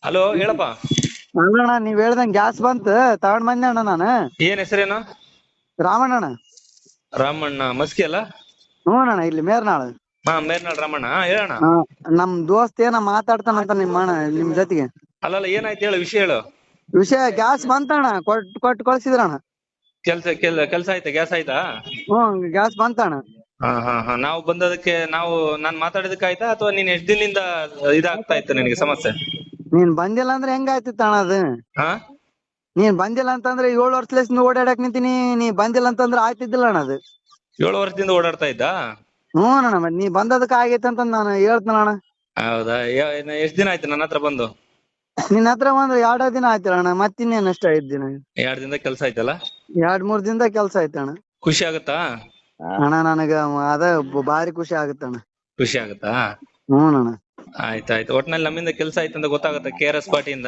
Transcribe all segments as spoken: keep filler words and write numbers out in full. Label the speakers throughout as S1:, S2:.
S1: Hello ಹೇಳಪ್ಪ.
S2: ಅಲ್ಲಣ್ಣ ನೀವ್ ಹೇಳ್ದಂಗ್ gas ಬಂತ ತಗೊಂಡ್ ಬಂದೆ ಅಣ್ಣ ನಾನು.
S1: ಏನ್ ಹೆಸರೇನು?
S2: ರಾಮಣ್ಣ.
S1: ರಾಮಣ್ಣ ಮಸ್ಕಿ ಅಲ್ಲ?
S2: ಹ್ಞೂ ಅಣ್ಣ ಇಲ್ಲಿ ಮೇರ್ನಾಳ್.
S1: ಹಾ ಮೇರ್ನಾಳ್ ರಾಮಣ್ಣ ಹೇಳಣ್ಣ.
S2: ಹಾ ನಮ್ ದೋಸ್ತ್ ಏನ ಮಾತಾಡ್ತಾನಂತ ನಿಮ್ ಅಣ್ಣ ನಿಮ್ ಜೊತೆಗೆ.
S1: ಅಲ್ಲಲ್ಲ ಏನಾಯ್ತು ಹೇಳು, ವಿಷಯ ಹೇಳು.
S2: ವಿಷಯ ಗ್ಯಾಸ್ ಬಂತಣ್ಣ, ಕೊಟ್ ಕೊಟ್ಟು ಕಳ್ಸಿದ್ರಣ್ಣ.
S1: ಕೆಲ್ಸ ಕೆಲ್ ಕೆಲ್ಸ ಆಯ್ತಾ? ಗ್ಯಾಸ್ ಆಯ್ತಾ?
S2: ಹ್ಮ್ ಗ್ಯಾಸ್ ಬಂತಣ್ಣ.
S1: ಹಾ ಹಾ ಹಾ ನಾವು ಬಂದದಕ್ಕೆ ನಾವು ನಾನ್ ಮಾತಾಡಿದಕ್ಕೆ ಆಯ್ತಾ ಅಥವಾ ನೀನ್ ಎಷ್ಟ್ ದಿನದಿಂದ ಇದಾಗ್ತಾ ಇತ್ತು ನಿನಗೆ ಸಮಸ್ಯೆ?
S2: ನೀನ್ ಬಂದಿಲ್ಲ ಅಂದ್ರೆ ಹೆಂಗಾಯ್ತಿತ್ತ ಅಣ್ಣ ಅದು?
S1: ಹಾ
S2: ನೀನ್ ಬಂದಿಲ್ಲ ಅಂತಂದ್ರೆ ಏಳು ವರ್ಷದಿಂದ ಓಡಾಡಕ್ ನಿಂತೀನಿ, ನೀ ಬಂದಿಲ್ಲ ಅಂತಂದ್ರೆ ಆಯ್ತಿದ್ದಿಲ್ಲ ಅಣ್ಣ ಅದು.
S1: ಏಳು ವರ್ಷದಿಂದ ಓಡಾಡ್ತಾ ಇದ್ದ?
S2: ಹ್ಞೂ ಅಣ್ಣ ಮತ್ ನೀ ಬಂದದಕ್ಕೆ ಆಗೈತೆ ಅಂತ ನಾನು ಹೇಳ್ತೇನ ಅಣ್ಣ.
S1: ಹೌದಾ? ಯ- ಇನ್ನು ಎಷ್ಟ್ ದಿನ ಆಯ್ತು ನನ್ನ ಹತ್ರ ಬಂದು?
S2: ನಿನ್ನ ಹತ್ರ ಬಂದ್ರೆ ಎರಡ ದಿನ ಆಯ್ತಲ್ಲ ಅಣ್ಣ, ಮತ್ತಿನ್ನೇನ್ ಅಷ್ಟ ಐದ್ ದಿನ.
S1: ಎರಡ್ ದಿನದ ಕೆಲ್ಸ ಆಯ್ತಲ್ಲ?
S2: ಎರಡ್ ಮೂರ್ ದಿನದ ಕೆಲ್ಸ ಆಯ್ತಣ್ಣ.
S1: ಖುಷಿ ಆಗುತ್ತಾ?
S2: ಅಣ್ಣ ನನಗ ಅದ ಭಾರಿ ಖುಷಿ ಆಗುತ್ತಣ್ಣ.
S1: ಖುಷಿ ಆಗುತ್ತಾ?
S2: ಹ್ಞೂ ಅಣ್ಣ.
S1: ಆಯ್ತಾಯ್ತು. ಒಟ್ನಲ್ಲಿ ನಮ್ಮಿಂದ ಕೆಲ್ಸ ಆಯ್ತು ಅಂತ ಗೊತ್ತಾಗತ್ತೆ ಕೆ ಆರ್ ಎಸ್ ಪಾರ್ಟಿಯಿಂದ.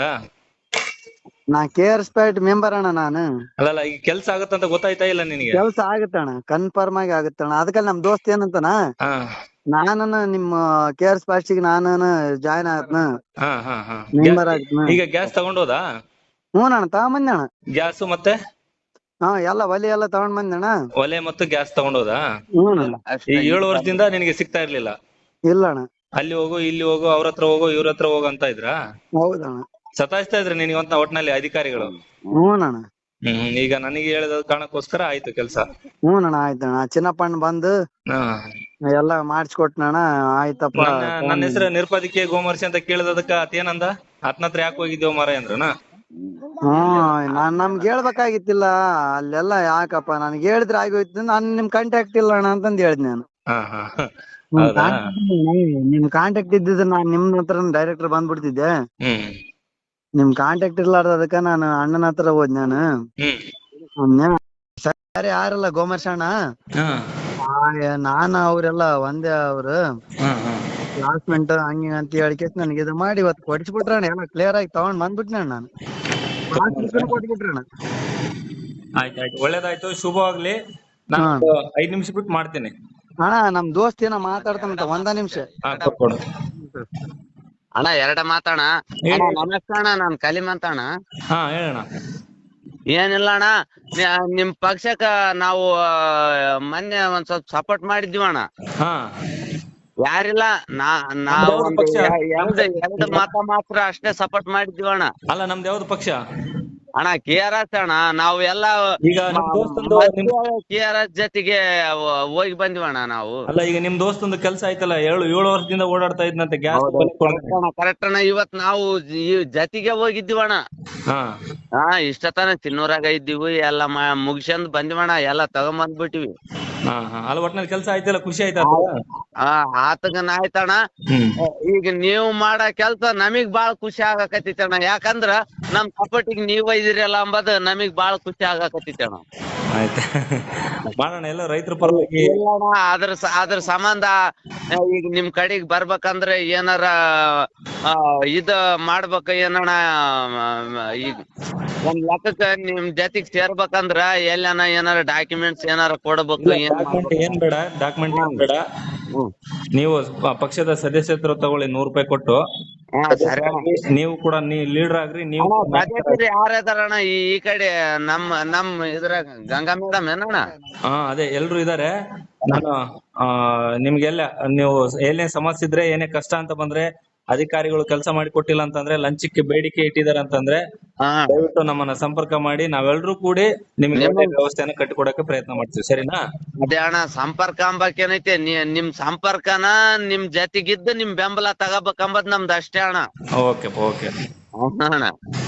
S2: ನಾ K R S paid member ಅಣ್ಣ ನಾನು.
S1: ಅಲ್ಲಲ್ಲ ಈಗ ಕೆಲ್ಸ ಆಗತ್ತಂತ ಗೊತ್ತಾಯ್ತಾ ಇಲ್ಲ ನಿನಗೆ?
S2: ಕೆಲ್ಸ ಆಗತ್ತಣ್ಣ, ಕನ್ಫರ್ಮ್ ಆಗಿ ಆಗತ್ತಣ್ಣ. ಅದಕ್ಕೆ ನಮ್ ದೋಸ್ತ್ ಏನಂತಾನ,
S1: ಹಾ
S2: ನಾನನ ನಿಮ್ಮ ಕೆ ಆರ್ ಎಸ್ ಪಾರ್ಟಿಗೆ ನಾನು ಜಾಯ್ನ್ ಆಗತ್ನ,
S1: ಹಾ ಹಾ ಹಾ
S2: ಮೆಂಬರ್
S1: ಗ್ಯಾಸ್-
S2: ಆಗತ್ನ.
S1: ಈಗ ಗ್ಯಾಸ್ ತಗೊಂಡೋದಾ?
S2: ಹ್ಞೂ ಅಣ್ಣ ತಗೊಂಡ್ ಅಣ್ಣ.
S1: ಗ್ಯಾಸ್ ಮತ್ತೆ
S2: ಹಾ ಎಲ್ಲ ಒಲಿ ಎಲ್ಲ ತಗೊಂಡ್ ಬಂದಣ್ಣ.
S1: ಒಲೆ ಮತ್ತು ಗ್ಯಾಸ್ ತಗೊಂಡೋದಾ?
S2: ಹ್ಞೂ ಅಣ್ಣ.
S1: ಈ ಏಳು ವರ್ಷದಿಂದ ನಿನಗೆ ಸಿಗ್ತಾ ಇರ್ಲಿಲ್ಲ?
S2: ಇಲ್ಲ ಅಣ್ಣ.
S1: ಅಲ್ಲಿ ಹೋಗು ಇಲ್ಲಿ ಹೋಗು ಅವ್ರ ಹತ್ರ ಹೋಗು ಇವ್ರ ಹತ್ರ ಹೋಗು ಅಂತ ಇದ್ರಾ?
S2: ಹೌದಣ್ಣ.
S1: ಸತಾಯಿಸ್ತಾ ಇದ್ರೆ ನಿನಗೆ ಅಂತ ಒಟ್ನಲ್ಲಿ ಅಧಿಕಾರಿಗಳು?
S2: ಹ್ಞೂ ಅಣ್ಣ.
S1: ಹ್ಮ್ ಈಗ ನನಗೆ ಹೇಳಿದ ಕಾರಣಕ್ಕೋಸ್ಕರ ಆಯ್ತು ಕೆಲ್ಸ.
S2: ಹ್ಞೂ ಅಣ್ಣ ಆಯ್ತಣ್ಣ. ಚಿನ್ನಪ್ಪಣ್ಣ ಬಂದು
S1: ಹಾ
S2: ಎಲ್ಲ ಮಾಡಿಸ್ಕೊಟ್ನಣ್ಣ. ಆಯ್ತಪ್ಪ.
S1: ನನ್ನ ನನ್ನ ಹೆಸರು ನಿರುಪದಿಕೆ ಗೋಮರ್ಶಿ ಅಂತ ಕೇಳಿದದಕ್ಕ ಆತೇನಂದ? ಆತನ ಹತ್ರ ಯಾಕೆ ಹೋಗಿದ್ದೇವ ಮಾರಾಯ ಅಂದ್ರನ?
S2: ಹ್ಮ್ ನಾನ್ ನಮ್ಗೆ ಹೇಳ್ಬೇಕಾಗಿತ್ತಿಲ್ಲ ಅಲ್ಲೆಲ್ಲ. ಯಾಕಪ್ಪ ನನ್ಗೆ ಹೇಳಿದ್ರೆ ಆಗೋಯ್ತು, ನಾನ್ ನಿಮ್ ಕಾಂಟ್ಯಾಕ್ಟ್ ಇಲ್ಲ ಅಣ್ಣ ಅಂತಂದ್ ಹೇಳಿದ್ ನಾನು.
S1: ಹಾ ಹಾ
S2: ನಿಮ್
S1: ಹೌದಾ?
S2: ಕಾಂಟ್ಯಾಕ್ಟ್ ನಿಮ್ ಕಾಂಟ್ಯಾಕ್ಟ್ ಇದ್ದಿದ್ರೆ ನಾನ್ ನಿಮ್ ಹತ್ರ ಡೈರೆಕ್ಟರ್ ಬಂದ್ಬಿಡ್ತಿದ್ದೆ.
S1: ಹ್ಮ್
S2: ನಿಮ್ ಕಾಂಟ್ಯಾಕ್ಟ್ ಇರ್ಲಾರ್ದಕ್ಕ ನಾನು ಅಣ್ಣನ ಹತ್ರ ಹೋದ್ ನಾನು.
S1: ಹ್ಮ್
S2: ಅವ್ನ್ಯ ಸರಿ ಯಾರಲ್ಲ ಗೋಮರ್ಶ ಅಣ್ಣ.
S1: ಹಾ
S2: ನಾನು ಅವ್ರೆಲ್ಲ ಒಂದೇ ಅವ್ರು
S1: ಹಾ ಹಾ
S2: ಕ್ಲಾಸ್ಮೇಟ್ ಹಂಗ ಅಂತ ಹೇಳಿ ಕೇಸ್ ನನಗೆ ಇದು ಮಾಡಿ ಇವತ್ತು ಕೊಡಿಸ್ಬಿಟ್ರಣ್ಣ. ಎಲ್ಲ ಕ್ಲಿಯರ್ ಆಗಿ ತಗೊಂಡ್ ಬಂದ್ಬಿಟ್ನ ನಾನು. ಕೊಟ್ಬಿಟ್ರಣ್ಣ.
S1: ಆಯ್ತಾಯ್ತು, ಒಳ್ಳೇದಾಯ್ತು, ಶುಭವಾಗ್ಲಿ. ನಾನು
S2: ಹಾ.
S1: ಒಂದು ಐದ್ ನಿಮಿಷ ಬಿಟ್ಟು ಮಾಡ್ತೇನೆ.
S2: ಅಣ್ಣ ನಮ್ ದೋಸ್ತ್ ಏನೋ ಮಾತಾಡ್ತಾನಂತ, ಒಂದ ನಿಮಿಷ.
S1: ಹಾ ಕೊಟ್ಕೊಡು.
S3: ಅಣ್ಣ ಎರಡ ಮಾತಣ್ಣ.
S1: ಹೇಳಿ.
S3: ಅಣ್ಣ ನಮಸ್ತೆ ಅಣ್ಣ, ನಾನ್ ಕಲಿಮಂತ ಅಣ್ಣ.
S1: ಹಾ ಹೇಳಣ್ಣ.
S3: ಏನಿಲ್ಲ ಅಣ್ಣ, ನಿ- ನಿಮ್ ಪಕ್ಷಕ್ಕ ನಾವು ಆ, ಮೊನ್ನೆ ಒಂದ್ ಸ್ವಲ್ಪ ಸಪೋರ್ಟ್ ಮಾಡಿದ್ವಿ ಅಣ್ಣ.
S1: ಹಾ
S3: ಯಾರಿಲ್ಲ ನಾ ನಾ
S1: ನಮ್ದು ಯಾವ್ದು
S3: ಒಂದು
S1: ಪಕ್ಷ?
S3: ಎರಡು ಎರಡು ಮತ ಮಾತ್ರ ಅಷ್ಟೇ ಸಪೋರ್ಟ್ ಮಾಡಿದ್ವಿ ಅಣ್ಣ.
S1: ಅಲ್ಲ ನಮ್ದು ಯಾವ್ದು ಪಕ್ಷ?
S3: ಅಣ್ಣ ಕೆ ಆರ್ ಎಸ್ ಅಣ್ಣ. ನಾವು ಎಲ್ಲ
S1: ಈಗ ನಿಮ್ ದೋಸ್ತಂದು ನಿಮ್
S3: ಕೆ ಆರ್ ಎಸ್ ಜೊತೆಗೆ ಹೋಗಿ ಬಂದ್ವಿ ಅಣ್ಣ ನಾವು.
S1: ಅಲ್ಲ ಈಗ ನಿಮ್ ದೋಸ್ತಂದು ಕೆಲ್ಸ ಆಯ್ತಲ್ಲ, ಏಳು ಏಳು ವರ್ಷದಿಂದ ಓಡಾಡ್ತಾ ಇದ್ನಂತೆ ಗ್ಯಾಸ್.
S3: ಕರೆಕ್ಟ್ ಅಣ್ಣ. ಇವತ್ ನಾವು ಈ ಜೊತೆಗೆ ಹೋಗಿದ್ದೀವಣ್ಣ.
S1: ಹಾ
S3: ಹಾ ಇಷ್ಟತನ ತಿನ್ನೂರಾಗ ಇದ್ದೀವಿ, ಎಲ್ಲ ಮುಗಿಸ್ಕೊಂಡ್ ಬಂದಿವಣ್ಣ, ಎಲ್ಲ ತಗೊಂಬಂದ್ಬಿಟ್ಟಿವಿ.
S1: ಹಾ ಹಾ ಅಲ್ಲ ಒಟ್ನಲ್ಲಿ ಕೆಲ್ಸ ಆಯ್ತಲ್ಲ, ಖುಷಿ ಆಯ್ತಾ?
S3: ಆ ಆತಗನ ಆಯ್ತಣ್ಣ.
S1: ಹ್ಮ್
S3: ಈಗ ನೀವು ಮಾಡೋ ಕೆಲ್ಸ ನಮಗ್ ಬಾಳ ಖುಷಿ ಆಗಾಕತ್ತಿತ್ತಣ್ಣ. ಯಾಕಂದ್ರ ನಮ್ ಸಪೋರ್ಟಿಗ್ ನೀವ್ ಒಯ್ದಿರಲ್ಲ ಅಂಬದ್ ನಮಗ್ ಬಾಳ ಖುಷಿ ಆಗಾಕತ್ತಿತ್ತಣ್ಣ.
S1: ಆಯ್ತಾ ಮಾಡೋಣ, ಎಲ್ಲ ರೈತರ ಪರವಾಗಿ.
S3: ಇಲ್ಲಣ್ಣ, ಅದ್ರ ಸ- ಅದ್ರ ಸಂಬಂಧ ಆ, ಈಗ ನಿಮ್ ಕಡೆಗ್ ಬರ್ಬೇಕಂದ್ರೆ ಏನಾರ ಆ, ಇದ ಮಾಡ್ಬೇಕ ಏನಣ್ಣ. ಆ, ಈಗ ಒಂದ್ ಲೆಕ್ಕಕ್ಕ ನಿಮ್ ಜೊತೆಗ್ ಸೇರ್ಬೇಕಂದ್ರ ಎಲ್ಲನ ಏನಾರ ಡಾಕ್ಯುಮೆಂಟ್ಸ್ ಏನಾರ ಕೊಡ್ಬೇಕು. ಏನ್
S1: ಡಾಕ್ಯುಮೆಂಟ್ ಏನ್ ಬೇಡ, ಡಾಕ್ಯುಮೆಂಟ್ ಏನ್ ಬೇಡ.
S3: ಹ್ಮ್.
S1: ನೀವು ಪ- ಪಕ್ಷದ ಸದಸ್ಯತ್ವ ತಗೊಳ್ಳಿ ನೂರ್ ರೂಪಾಯಿ ಕೊಟ್ಟು.
S3: ಹಾ ಸರಿ ಅಣ್ಣ.
S1: ನೀವು ಕೂಡ ನೀ ಲೀಡರ್ ಆಗ್ರಿ. ನೀವು
S3: ಅಣ್ಣ ಸದಸ್ಯರು ಯಾರದಾರಣ್ಣ ಈ ಈ ಕಡೆ ನಮ್ ನಮ್ ಇದ್ರಾಗ ಗಂಗಾ ಮೇಡಮ್ ಏನಣ್ಣ?
S1: ಹಾ ಅದೇ ಎಲ್ರು ಇದಾರೆ. ನಾನು ಆ ನಿಮ್ಗೆಲ್ಲ ನೀವು ಏನೇ ಸಮಸ್ಯೆ ಇದ್ರೆ, ಏನೇ ಕಷ್ಟ ಅಂತ ಬಂದ್ರೆ, ಅಧಿಕಾರಿಗಳು ಕೆಲಸ ಮಾಡಿ ಕೊಟ್ಟಿಲ್ಲ ಅಂತಂದ್ರೆ, ಲಂಚಕ್ಕೆ ಬೇಡಿಕೆ ಇಟ್ಟಿದ್ದಾರೆ ಅಂತಂದ್ರೆ
S3: ಹಾ
S1: ದಯವಿಟ್ಟು ನಮ್ಮನ್ನ ಸಂಪರ್ಕ ಮಾಡಿ. ನಾವೆಲ್ಲರೂ ಕೂಡಿ ನಿಮ್ಗೆ ಒಳ್ಳೆ ವ್ಯವಸ್ಥೆನ ಕಟ್ಟಿಕೊಡಕ್ಕೆ ಪ್ರಯತ್ನ ಮಾಡ್ತೀವಿ, ಸರಿನಾ?
S3: ಅದೇ ಅಣ್ಣ, ಸಂಪರ್ಕ ಅಂಬಕೇನೈತೆ, ನಿಮ್ ಸಂಪರ್ಕನ ನಿಮ್ ಜೊತೆಗಿದ್ದು ನಿಮ್ ಬೆಂಬಲ ತಗೋಬೇಕಂಬದ್ ನಮ್ದು ಅಷ್ಟೇ ಅಣ್ಣ.
S1: ಓಕೆ ಓಕೆ
S3: ಅಣ್ಣ